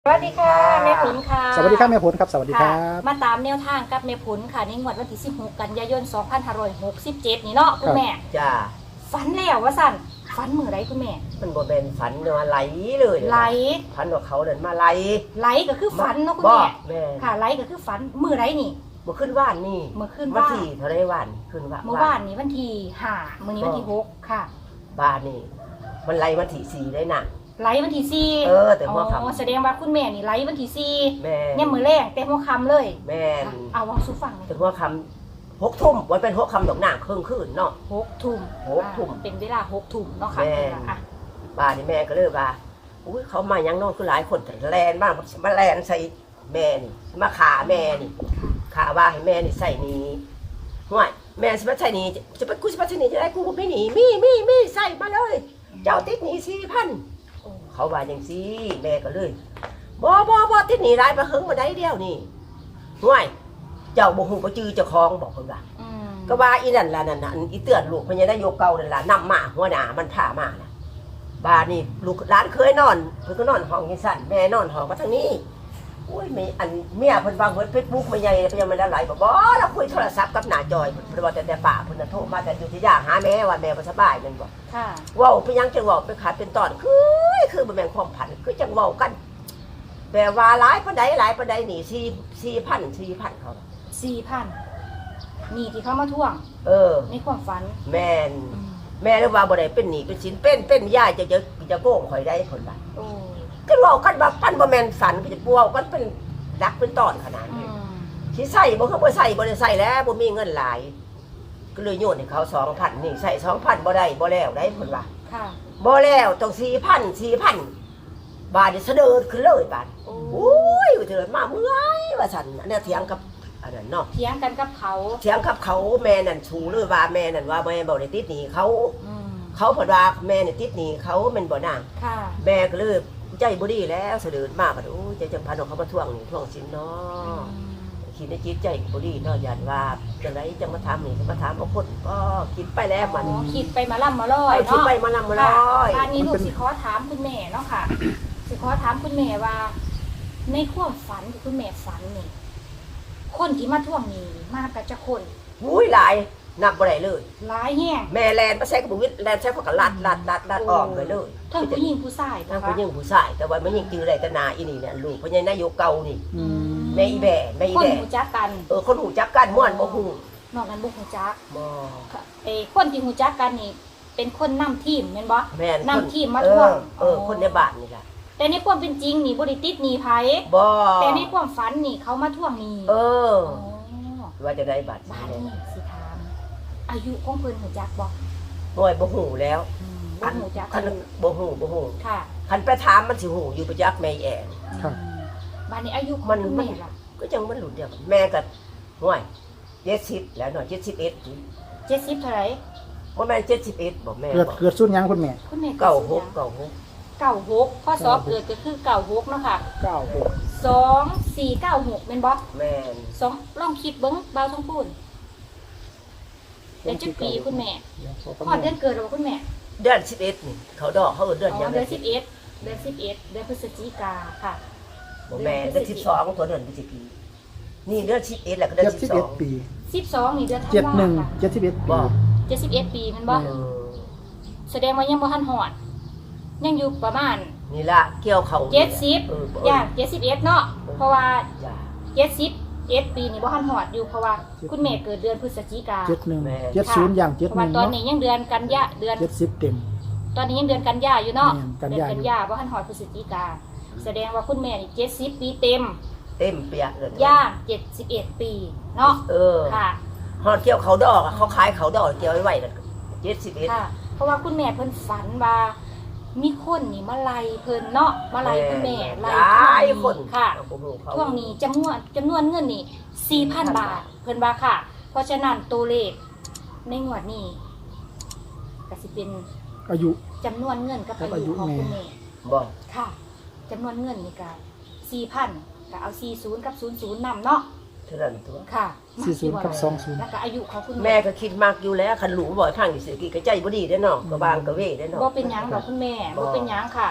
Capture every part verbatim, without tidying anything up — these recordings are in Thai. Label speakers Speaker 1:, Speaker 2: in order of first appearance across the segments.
Speaker 1: สวัสดีค่ะแม่ผลค่ะ
Speaker 2: สวัสดีครับแม่ผลครับสวัสดีครับ
Speaker 1: มาตามแนวทางกับแม่ผลค่ะในงวดวันที่สิบหกกันยายนสองพันห้าร้อยหกสิบเจ็ดนี่เนาะคุณแม่
Speaker 3: จ้า
Speaker 1: ฝันแล้วว่าสั่นฝันมื้อไรคุณแม่
Speaker 3: มันบ่เป็นฝันเนาะไหลเลย
Speaker 1: ไหล
Speaker 3: ฝันว่าเขาเดินมาไหล
Speaker 1: ไหลก็คือฝันเนาะคุณแม่
Speaker 3: แม่
Speaker 1: ค่ะไหลก็คือฝันมื้อไรนี่
Speaker 3: เมื่อขึ้นว่านนี่
Speaker 1: เมื่อขึ้น
Speaker 3: วัน
Speaker 1: ว่าน
Speaker 3: ที่เท่าไรวันขึ้นว่า
Speaker 1: เมื่อวานนี้วันที่ห้ามื้อนี้วันที่หกค่ะ
Speaker 3: บ้านนี่มันไหลวันที่สี่ได้น่ะ
Speaker 1: ไหลวันที่สี่
Speaker 3: เออแต่หัวค่ำ
Speaker 1: แสดงว่าคุณแม่นี่ไหลวันที่สี่
Speaker 3: แม่
Speaker 1: เนี่ยมื้อแรกแต่หัวค่ำเลย
Speaker 3: แม่
Speaker 1: เอาเว้าสู่ฟังเลย
Speaker 3: แต่หัวค่ำหกทุ่มวันเป็นหกค่ำดอกหน้าครึ่งคืนเนาะ
Speaker 1: หกทุ่ม
Speaker 3: หกทุ่ม
Speaker 1: เป็นเวลาหกทุ่มเนาะค่ะ
Speaker 3: แม่บ้านนี่แม่ก็เลยว่าอุ้ยเขามายังนอนคือหลายคนแต่แลนมากมาแลนใส่แม่นี่มาขาแม่นี่ขาว่าให้แม่นี่ใส่นี้ห่วยแม่สิมาใส่นี้จะไปกูสิมาใส่นี้จะได้กูไม่หนีมีมีมีใส่มาเลยเจ้าติดหนีสี่พันเขาว่าอย่างซี่แม่ก็เลยบ่บ่บ่ติดหนีร้ายมาหึงมาได้เดียวนี่ห่วยเจ้าบ่ฮู้บ่จื้อเจ้าของบอกเพิ่นว่าก็ว่าอีนั่นล่ะนั่นน่ะอีเตือนลูกเพิ่นยังได้โยกเก่านั่นล่ะนำมาหัวหน้ามันพามาน่ะบ้านนี่ลูกร้านเคยนอนเพิ่นก็นอนห้องจังซั่นแม่นอนห้องมาทางนี้อุ้ยมีอันเมียเพิ่นวางเพิ่น Facebook มาใหญ่เพิ่นยังไม่ได้ไหลบ่บ่แล้วคุยโทรศัพท์กับหน้าจอยเพิ่นว่าแต่แต่ป้าเพิ่นน่ะโทรมาแต่อยู่ที่ย่าหาแม่ว่าแม่บ่สบายแม่นบ่
Speaker 1: ค่ะ
Speaker 3: เว้าไปยังจังเว้าไปขาดเป็นตอนคือคือบ่แม่นความผันคือจังเว้ากันแปลว่าหลายปานใดหลายปานใดนี่สี่ สี่พัน สี่พันเขา
Speaker 1: สี่พันนี่ที่เขามาทวง
Speaker 3: เออ
Speaker 1: ในความฝัน
Speaker 3: แม่นแม่เลยว่าบ่ได้เป็นหนี้เป็นสินเป็นเป็นยายจะจะจะโกงข่อยได้เพิ่นว่า
Speaker 1: โอ้
Speaker 3: ก็เว้ากันว่าพันบ่แม่นฝันก็จะปัวกันเป็นรักเป็นตอนขนาดนี้สิใส่บ่คือบ่ใส่บ่ได้ใส่แล้วบ่มีเงินหลายก็เลยโยนให้เขา สองพัน นี่ใส่ สองพัน บ่ได้บ่แล้วได้เพิ่นว่า
Speaker 1: ค่ะ
Speaker 3: บ่แล้วต้อง สี่พัน สี่พัน บาทนี่เสด็จขึ้นเลยบาทโอ้ยเถิดมาเมื่อยว่าซั่นอันนี้เถียงกับอันนั้นเนาะ
Speaker 1: เถียงกันกับเขา
Speaker 3: เถียงกับเขาแม่นั่นชูเลยว่าแม่นั่นว่าแม่บ่ได้ติดหนี้เขาเขาเพิ่นว่าแม่นี่ติดหนี้เขาแม่นบ่นาง
Speaker 1: ค่ะ
Speaker 3: แม่ก็เลยใจบ่ดีแล้วเสด็จมาบัดโอ้ยใจจังพันเขามาทวงนี่ทวงสินเนาะคิดในจิตใจบ่ดีเนาะย่านว่าจังไดจังมาถามนี่มาถามบ่คนก็คิดไปแล้วมัน
Speaker 1: คิดไปมาล่ำมาลอยเนาะ
Speaker 3: คิดไปมาล่ำมาลอย
Speaker 1: บ้านนี้ลูกสิขอถามคุณแม่เนาะค่ะสิขอถามคุณแม่ว่าในความฝันที่คุณแม่ฝันนี่คนที่มาทวงนี่มากับจะคน
Speaker 3: อุ้ยหลายนับบ่ได้เลย
Speaker 1: หลายแฮง
Speaker 3: แม่แลนบ่ใช่กับบุวิทแลนใช้พวกลัดลัดลัดลัดออกไปเลย
Speaker 1: ทั้งผู้หญิงผู้ชาย
Speaker 3: ทั้งผู้หญิงผู้ชายแต่ว่ามันยังจื้อได้แต่นาอีนี่เนี่ยลูกเพราะยังนายกเก่านี่แม่อีแบ่แม่อีแบ่
Speaker 1: คนหูจักกัน
Speaker 3: เออคนหูจักกันม่วนบ่ฮู้
Speaker 1: นอกนั้นบ่หูจัก
Speaker 3: บ่
Speaker 1: เอ้คนที่หูจักกันนี่เป็นคนนำทีมแม่นบ่
Speaker 3: แม่น
Speaker 1: นำทีมมาทวง
Speaker 3: เออคนในบ้านนี่ล่ะ
Speaker 1: แต่ในความเป็นจริงนี่บ่ได้ติดหนี้ไผ
Speaker 3: บ่
Speaker 1: แต่ในความฝันนี่เขามาทวงหนี้
Speaker 3: เออว่าจะได้บัตร
Speaker 1: บ้านนี่สิถามอายุของเพิ่นหูจักบ่
Speaker 3: หน่วยบ่ฮู้แล้ว
Speaker 1: บ่หูจัก
Speaker 3: คันบ่ฮู้บ่ฮู้
Speaker 1: ค่ะ
Speaker 3: คันไปถามมันสิฮู้อยู่ประจักษ์แม่แอน
Speaker 2: ครับ
Speaker 1: บ้านนี้อายุของคุณแม่ล่ะ
Speaker 3: ก็จังมันหลุดเดียวกันแม่ก็หน่วยเจ็ดสิบแล้วหน่อยเจ็ดสิบเอ็ด
Speaker 1: เจ็ดสิบเท่าไหร่
Speaker 3: บ่แม่นเจ็ดสิบเอ็ดบ่แม่
Speaker 2: เกิดเกิดสุดยังคุณแม่
Speaker 1: คุณแม่
Speaker 3: เก้าหก เก้าหก
Speaker 1: เก้าหกข้อสอบเกิดก็คือเก้าหกเนาะค่ะ
Speaker 2: เก้าหก
Speaker 1: สอง สี่ เก้า หกแม่นบ่
Speaker 3: แม่น
Speaker 1: สองลองคิดเบิ่งเบาท้องพูนเดือนจักปีคุณแม่พอดเดือนเกิดหรือคุณแม่
Speaker 3: เดือนสิบเอ็ดนี่เขาดอกเขาเดือนยัง
Speaker 1: เดือนสิบเอ็ดเดือนสิบเอ็ดเดือนพฤศจิกาค่ะ
Speaker 3: บ่แม่เดือนสิบสองตัวเดือนพฤศจิกานี่เดือนสิบเอ็ดแล้วก็เดือนสิบสอง
Speaker 2: ปี
Speaker 1: สิบสองนี่เดือนธันวาคม
Speaker 2: เจ็ดหนึ่ง เจ็ดสิบเอ็ด
Speaker 3: บ่
Speaker 1: เจ็ดสิบเอ็ดปีแม่นบ่แสดงว่ายังบ่ทันฮอดยังอยู่ประมาณ
Speaker 3: นี่ล่ะเกี่ยวเขา
Speaker 1: เจ็ดสิบย่างเจ็ดสิบเอ็ดเนาะเพราะว่าเจ็ดสิบเอ็ดปีนี่บ่ทันฮอดอยู่เพราะว่าคุณแม่เกิดเดือนพฤศจิกา
Speaker 2: เจ็ดหนึ่ง เจ็ดศูนย์อย่างเจ็ดหนึ่ง
Speaker 1: ตอนนี้ยังเดือนกันยาเดือน
Speaker 2: เจ็ดสิบเต็ม
Speaker 1: ตอนนี้ยังเดือนกันยาอยู่เนาะเดือนกันยาบ่ทันฮอดพฤศจิกาแสดงว่าคุณแม่นี่เจ็ดสิบปีเต็ม
Speaker 3: เต็มเปียเลย
Speaker 1: ย่างเจ็ดสิบเอ็ดปีเนาะ
Speaker 3: เออ
Speaker 1: ค่ะ
Speaker 3: ฮอดเกี่ยวเขาดอกเขาขายเขาดอกเกี่ยวไว้ไว้เจ็ดสิบเอ็ด
Speaker 1: ค่ะเพราะว่าคุณแม่เพิ่นฝันว่ามีคนนี่มาไล่เพิ่นเนาะมาไล่คุณแม่ไล่
Speaker 3: คน
Speaker 1: ค่ะช่วงนี้จำนวนจำนวนเงินนี่ สี่พัน บาทเพิ่นว่าค่ะ เพราะฉะนั้นตัวเลขในงวดนี้ก็สิเป็น
Speaker 2: อายุ
Speaker 1: จำนวนเงินกับอายุของคุณแม่
Speaker 3: บ่
Speaker 1: ค่ะจำนวนเงินนี่ก็ สี่พัน ก็เอาสี่สิบกับศูนย์สิบนำเนาะ
Speaker 3: เท่านั้นตัว
Speaker 1: ค่ะ
Speaker 2: สี่สิบกับสองสิบ
Speaker 1: แล้วก็อายุของคุณ
Speaker 3: แม่ก็คิดมากอยู่แล้วคันหลูบ่อยพังอยู่สิกิก็ใจบ่ดีได้เนาะก็บางก็เว้ได้เนาะ
Speaker 1: บ่เป็นหยังดอกคุณแม่บ่เป็นหยังค่ะ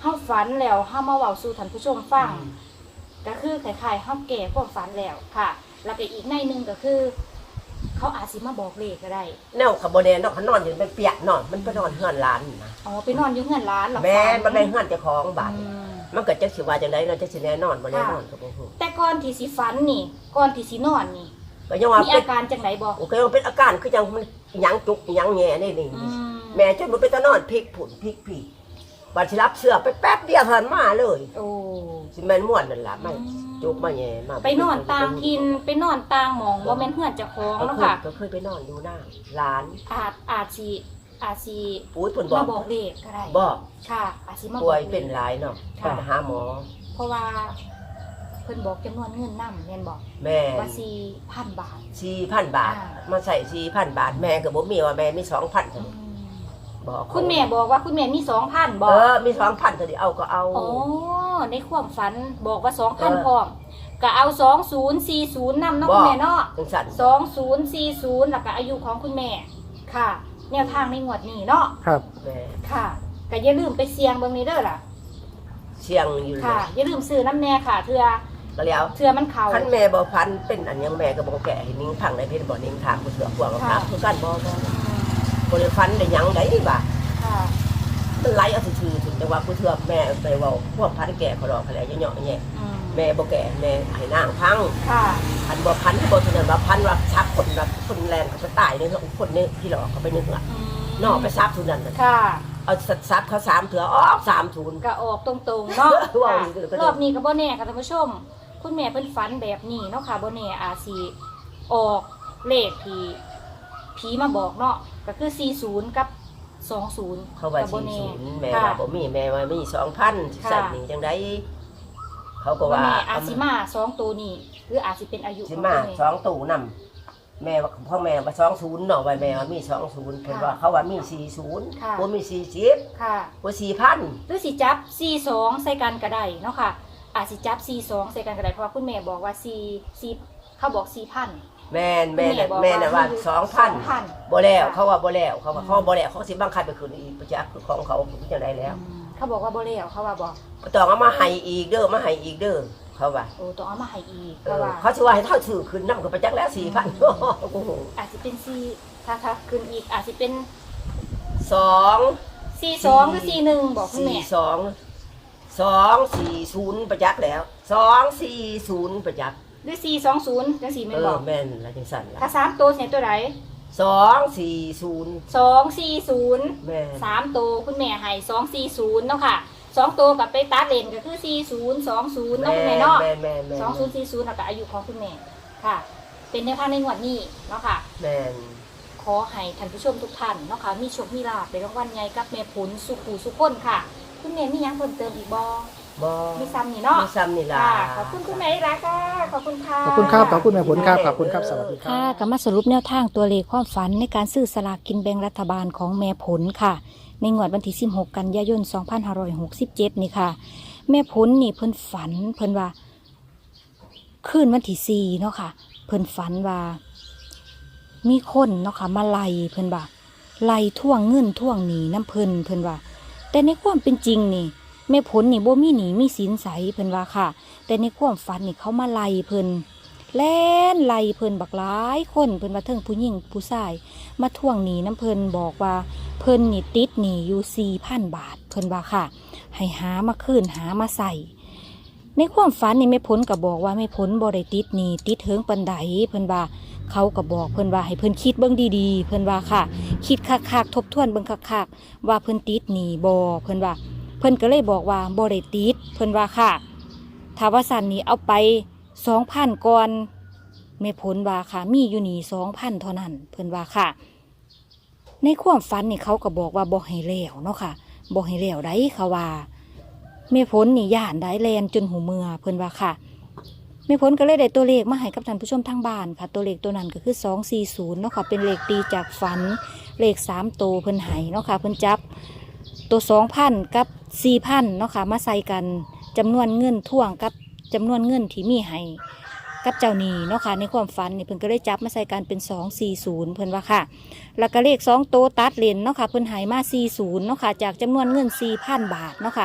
Speaker 1: เฮาฝันแล้วเฮามาเว้าสู่ท่านผู้ชมฟังก็คือคล้ายๆเฮาแก่ความฝันแล้วค่ะ แล้วก็อีกในหนึงก็คือ เขาอาจสิมาบอกเลขก็ได้
Speaker 3: แนวขบวนแนนเขานอนอยู่เป็นเปียกนอนมันไปนอนเฮือนร้านนะ
Speaker 1: อ๋อไปนอนอยู่เฮือนร้านเหรอ
Speaker 3: แม่นมันได้เฮือนเจ้าของบ้าน
Speaker 1: อืม
Speaker 3: มันเกิดจักสิว่าจังได๋เนาะจักสิแน่นอนบ่แน่นอนก็บ่ฮู้
Speaker 1: แต่ก่อนที่สิฝันนี่ก่อนที่สินอนนี่
Speaker 3: ก็ยังว่า
Speaker 1: มี
Speaker 3: เป็น
Speaker 1: อาการจังไดบ่
Speaker 3: โอ้ก็ยังเป็นอาการคือยังมันหยังจุกหยังแง่นี่นี่
Speaker 1: อืม
Speaker 3: แม่จนมันเป็นตะนอนพลิกผุนพลิกผีบัดสิรับเสื้อไปแป๊บเดียวเท่านั้นมาเลย
Speaker 1: โอ้
Speaker 3: สิแม่นม่วนนั่นล่ะไม่จุกมาแง่มา
Speaker 1: ไปนอนต่างทินไปนอนต่างหม่องบ่แม่นเฮือนเจ้าของ
Speaker 3: ก็
Speaker 1: เนาะ
Speaker 3: เคย
Speaker 1: ค่ะ
Speaker 3: ก็เคยไปนอนอยู่หน้าร้าน
Speaker 1: อาจอาจสิอาจสิ
Speaker 3: อุ้ยเพิ่นบอ
Speaker 1: มาก บอกเลขก็ได้
Speaker 3: บอก
Speaker 1: ค่ะอาจสิมาบ
Speaker 3: ป่
Speaker 1: อ
Speaker 3: วย
Speaker 1: กลข
Speaker 3: เป็นหลายเนาะ
Speaker 1: ค่ะ
Speaker 3: ไปหาหมอ
Speaker 1: เพราะว่าเพิ่นบอกจำนวนเงินนำแม่นบอก
Speaker 3: แม่
Speaker 1: ว่าสี่พันบาท
Speaker 3: สี่พันบาท
Speaker 1: อ่า
Speaker 3: มาใส่สี่พันบาทแม่ก็บ่มีว่าแม่มีสองพันเท่า
Speaker 1: อื
Speaker 3: นี้
Speaker 1: ม
Speaker 3: บอก
Speaker 1: คุณแม่บอกว่าคุณแม่มีสองพันบอ
Speaker 3: เอก อมีสองพันเท่านี้เอาก็เอา
Speaker 1: อ๋อในความฝันบอกว่าสองพัน
Speaker 3: เออ
Speaker 1: พร้อมก็เอาสองศูนย์สี่ศูนย์นำเนาะคุณแม่เนาะ
Speaker 3: จังซั่น
Speaker 1: สองศูนย์สี่ศูนย์แล้วก็อายุของคุณแม่ค่ะ แนวทางในงวดนี้เนาะ
Speaker 2: ครับ
Speaker 3: แม่
Speaker 1: ค่ะก็อย่าลืมไปเสี่ยงเบิ่งนี้เด้อล่ะ
Speaker 3: เสียงอยู่
Speaker 1: ค่ะ อย่าลืมซื้อน้ำแน่ค่ะเทื่อ
Speaker 3: ก็แล้ว
Speaker 1: เทื่อมันเข้า
Speaker 3: คันแม่บ่พันเป็นอันยังแม่ก็บ่แก่ให้นิ้งพังได้เพิ่นบ่นิ้งทางผู้เสือพวกกับ
Speaker 1: ค่ะ
Speaker 3: ครับคือกันบ่บ่
Speaker 1: อืม
Speaker 3: บ่ได้ฟันได้หยังได้บ่า
Speaker 1: ค่ะ
Speaker 3: มันไหลเอาซื่อๆถึงแต่ว่าผู้เสือแม่ไปเว้าพวกพันแก่เขาดอกเขาแหละเหยาะๆแย่
Speaker 1: อืม
Speaker 3: แม่บ่แก่แม่ให้นางพัง
Speaker 1: ค่ะ
Speaker 3: พันบ่พันที่บ่เท่านั้นว่าพันว่าชักคนแบบคนแรงเขาจะตายเลยเนาะคนนี้ที่หลอกเขาไปนึกว่า
Speaker 1: อืม
Speaker 3: นอกไปซับทุนนั้นน่ะ
Speaker 1: ค่ะ
Speaker 3: เอาซับเขาสามเถือออกสามทุน
Speaker 1: ก็ออกตรงๆเนาะ
Speaker 3: ว่า
Speaker 1: ค่ะ
Speaker 3: อีกเด้อก็เด้อ
Speaker 1: รอบนี้ก็บ่แน่ค่ะท่านผู้ชม คุณแม่เพิ่นฝันแบบนี้เนาะค่ะบ่แน่อาจสิออกเลขที่ผีมาบอกเนาะก็คือสี่สิบกับสองสิบ
Speaker 3: เขาว่า
Speaker 1: ก็บ่
Speaker 3: สี่
Speaker 1: แน่
Speaker 3: ศูนย์แม่
Speaker 1: ค่ะ
Speaker 3: ว่าบ่มีแม่ว่ามีสองพัน
Speaker 1: ค่ะ
Speaker 3: สั่นนี่จังไดเขาก็
Speaker 1: บ่
Speaker 3: ว่า
Speaker 1: แน่อาจสิมาสองตัวนี้หรืออาจสิเป็นอายุ
Speaker 3: สิ
Speaker 1: ของ
Speaker 3: มา
Speaker 1: คุณแม่
Speaker 3: สองตู่นำแม่ว่าพ่อแม่ว่าสองศูนย์เนาะว่าแม่ว่ามีสองศูนย์เพิ่นว่าเขาว่ามีสี่ศูนย์
Speaker 1: ค่ะ
Speaker 3: บ่มีสี่สิบ
Speaker 1: ค่ะ
Speaker 3: บ่สี่พัน
Speaker 1: หรือสิจับสี่สองใส่กันก็ได้เนาะค่ะ อาจสิจับสี่สองใส่กันก็ได้เพราะว่าคุณแม่บอกว่าสี่สี่เขาบอกสี่พัน
Speaker 3: แม่นแม่น่ะ
Speaker 1: คุณ
Speaker 3: แม่น่ะว่า
Speaker 1: คือ
Speaker 3: สองพัน
Speaker 1: 2,000
Speaker 3: บ่แล้ว
Speaker 1: ค่ะ
Speaker 3: เขาว่าบ่แล้วเขาว่าเขาบ่แล้วเขาสิบังคับไปคืนอีกประจักษ์ของเขาจังไดแล้ว
Speaker 1: อืมเขาบอกว่าบ่แล้วเขาว่าบอก
Speaker 3: บ่ต้องเอามาให้อีกเด้อมาให้อีกเด้อเขาว่า
Speaker 1: โอ้ต้องเอามาให้อีก
Speaker 3: เอ
Speaker 1: เพราะ
Speaker 3: อ
Speaker 1: ว่า
Speaker 3: เขาสิว่าให้เท่าชื่อคืนนำก็ประจักษ์แล้วสี่พัน โอ้โห
Speaker 1: อาจจะเป็นสี่ถ้าถ้าขึ้นอีกอาจจะเป็น
Speaker 3: สอง
Speaker 1: สี่สองหรือสี่หนึ่งบอกคุณ
Speaker 3: สี่
Speaker 1: แม่
Speaker 3: สองสองสี่ศูนย์ประจักษ์แล้วสองสี่ศูนย์ประจักษ์
Speaker 1: หรือสี่สองศูนย์จังสี่
Speaker 3: เอ
Speaker 1: แม่น
Speaker 3: อบ
Speaker 1: อก
Speaker 3: แม่นละจังสั่น
Speaker 1: ถ้า
Speaker 3: ละ
Speaker 1: สามตัวเสียตัวไหน
Speaker 3: สองสี่ศูนย์
Speaker 1: สองสี่ศูนย์
Speaker 3: แม่น
Speaker 1: สามตัวคุณแม่ให้สองสี่ศูนย์เนาะค่ะสองตัวกับไปตัดเลนก็คือสี่ศูนย์สองศูนย์เนาะคุณแม่เนาะ
Speaker 3: แม่นแม่นแม่น
Speaker 1: สองศูนย์สี่ศูนย์แล้วก็อายุของคุณแม่ค่ะ เป็นแนวทางในงวดนี้เนาะค่ะ
Speaker 3: แม่น
Speaker 1: ขอให้ท่านผู้ชมทุกท่านเนาะค่ะมีโชคมีลาภในรางวัลใหญ่กับแม่ผลสุขูสุขคนค่ะ คุณแม่มีหยังเพิ่มเติมอีกบ่
Speaker 3: บ่
Speaker 1: มีซ้ำนี่เนาะ
Speaker 3: มีซ้ำนี่ล่ะ
Speaker 1: ค่ะขอบคุณคุณแม่อีกแล้วค่ะขอบคุณค่ะ
Speaker 2: ขอบคุณครับขอบคุณแม่ผลครับขอบคุณครับสวัสดีครั
Speaker 1: ค่ะ
Speaker 2: บ
Speaker 1: ก็มาสรุปแนวทางตัวเลขความฝันในการซื้อสลากกินแบ่งรัฐบาลของแม่ผลค่ะ ในงวดวันที่สิบหกกันยายนสองพันห้าร้อยหกสิบเจ็ดนี่ค่ะ แม่ผลนี่เพิ่นฝันเพิ่นว่าคืนวันที่สี่เนาะค่ะ เพิ่นฝันว่า มีคนเนาะค่ะมาไล่เพิ่นว่าไล่ท่วงเงินท่วงหนี้น้ำเพิ่นเพิ่นว่า แต่ในความเป็นจริงนี่แม่ผลนี่บ่มีหนี้มีสินใสเพิ่นว่าค่ะ แต่ในความฝันนี่เขามาไล่เพิ่นแล่นไล่เพิ่นบักหลายคนเพิ่นว่าเทิงผู้หญิงผู้ชายมาท่วงหนี้น้ำเพิ่นบอกว่าเพิ่นนี่ติดหนี้อยู่ สี่พัน บาทเพิ่นว่าค่ะ ให้หามาคืนหามาใส่ในความฝันนี่แม่ผลก็บอกว่าแม่ผลบ่ได้ติดหนี้ติดเถิงปานใดเพิ่นว่าเขาก็บอกเพิ่นว่าให้เพิ่นคิดเบิ่งดีๆเพิ่นว่าค่ะ คิดคักๆทบทวนเบิ่งคักๆว่าเพิ่นติดหนี้บ่เพิ่นว่าเพิ่นก็เลยบอกว่าบ่ได้ติดเพิ่นว่าค่ะถ้าว่าสั่นนี่เอาไป สองพัน ก่อนแม่ผลว่าค่ะ มีอยู่นี่ สองพัน เท่านั้นเพิ่นว่าค่ะ ในความฝันนี่เขาก็บอกว่าบ่ให้แล้วเนาะค่ะบ่ให้แล้วได้ค่ะว่าแม่ผลนี่ย่านได้แลนจนหูเมือเพิ่นว่าค่ะแม่ผลก็เลยได้ตัวเลขมาให้กับท่านผู้ชมทางบ้านค่ะ ตัวเลขตัวนั้นก็คือสองสี่ศูนย์เนาะค่ะเป็นเลขตีจากฝันเลขสามตัวเพิ่นให้เนาะค่ะเพิ่นจับตัว สองพัน กับ สี่พัน เนาะค่ะมาใส่กันจำนวนเงินท่วงกับจำนวนเงินที่มีให้กับเจ้าหนี้เนาะค่ะในความฝันนี่เพิ่นก็ได้จับมาใส่กันเป็นสองสี่ศูนย์เพิ่นว่าค่ะแล้วก็เลขสองโตวตัดเลนเนาะค่ะเพิ่นใหายมาสี่ศูนย์เนาะค่ะจากจำนวนเงินสี่พันบาทเนาะค่ะ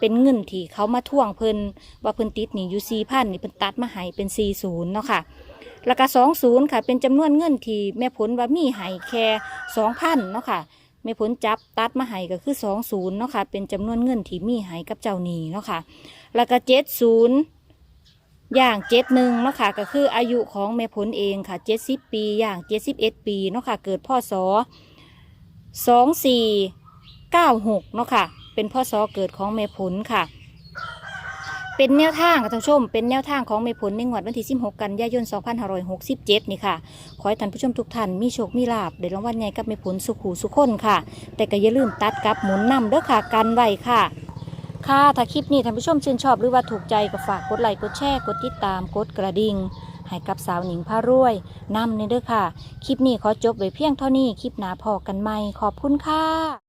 Speaker 1: เป็นเงินที่เขามาทวงเพิ่นว่าเพิ่นติดหนี้อยู่สี่พันนี่เพิ่นตัดมาให้เป็นสี่ศูนย์เนาะค่ะแล้วก็สองศูนย์ค่ะเป็นจำนวนเงินที่แม่ผลว่ามีให้แค่สองพันเนาะค่ะแม่ผลจับตัดมาให้ก็คือสองศูนย์เนาะค่ะเป็นจำนวนเงินที่มีให้กับเจ้าหนี้เนาะค่ะแล้วก็เจ็ดศูนย์อย่างเจ็ดหนึ่งเนาะค่ะก็คืออายุของแม่ผลเองค่ะเจ็ดสิบปีอย่างเจ็ดสิบเอ็ดปีเนาะค่ะเกิดพศสองสี่เก้าหกเนาะค่ะเป็นพศเกิดของแม่ผลค่ะเป็นแนวทางค่ะท่านผู้ชมเป็นแนวทางของแม่ผลในงวดวันที่สิบหกกันยายนสองพันห้าร้อยหกสิบเจ็ดนี่ค่ะขอให้ท่านผู้ชมทุกท่านมีโชคมีลาภได้รางวัลใหญ่กับแม่ผลสุขหูสุขคนค่ะแต่ก็อย่าลืมตัดกับหมุนนำเด้อค่ะกันไว้ค่ะค่ะถ้าคลิปนี้ท่านผู้ชมชื่นชอบหรือว่าถูกใจก็ฝากกดไลค์กดแชร์กดติดตามกดกระดิ่งให้กับสาวหนิงพารวยนำในเด้อค่ะคลิปนี้ขอจบไว้เพียงเท่านี้คลิปหน้าพอกันใหม่ขอบคุณค่ะ